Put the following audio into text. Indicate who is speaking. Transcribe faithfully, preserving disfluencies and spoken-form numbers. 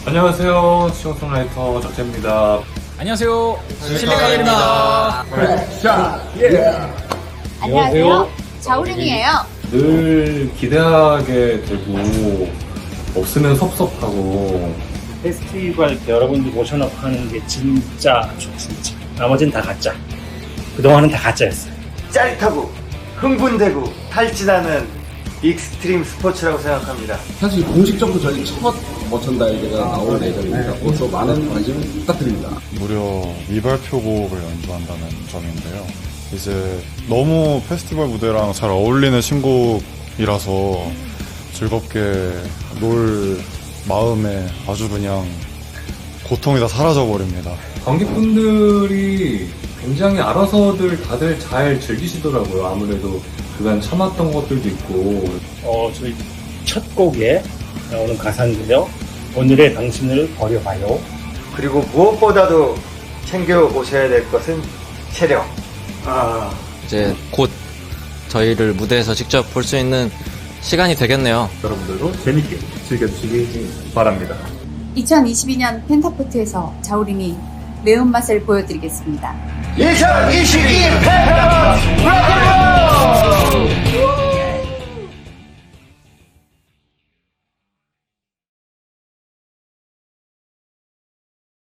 Speaker 1: 안녕하세요. 시청송라이터 적재입니다.
Speaker 2: 안녕하세요.
Speaker 3: 실리카입니다.
Speaker 4: 안녕하세요. 자우림이에요.
Speaker 1: 늘 기대하게 되고 없으면 섭섭하고
Speaker 5: 페스티벌 때 여러분들 모셔놓고 하는 게 진짜 좋습니다. 나머지는 다 가짜. 그동안은 다 가짜였어요.
Speaker 3: 짜릿하고 흥분되고 탈진하는 익스트림 스포츠라고 생각합니다.
Speaker 6: 사실 공식적으로 저희 첫 머천다이즈가 나올 예정입니다. 그것도 많은 관심 부탁드립니다.
Speaker 7: 무려 미발표곡을 연주한다는 점인데요. 이제 너무 페스티벌 무대랑 잘 어울리는 신곡이라서 즐겁게 놀 마음에 아주 그냥 고통이 다 사라져버립니다.
Speaker 1: 관객분들이 굉장히 알아서들 다들 잘 즐기시더라고요. 아무래도 그간 참았던 것들도 있고.
Speaker 5: 어, 저희 첫 곡에 나오는 가사인데요. 오늘의 당신을 버려봐요.
Speaker 3: 그리고 무엇보다도 챙겨 오셔야 될 것은 체력.
Speaker 5: 아,
Speaker 2: 이제 곧 저희를 무대에서 직접 볼 수 있는 시간이 되겠네요.
Speaker 1: 여러분들도 재밌게 즐겨주시기 바랍니다.
Speaker 4: 이천이십이 년 펜타포트에서 자우림이 매운맛을 보여드리겠습니다.
Speaker 3: 이천이십이 펜타포트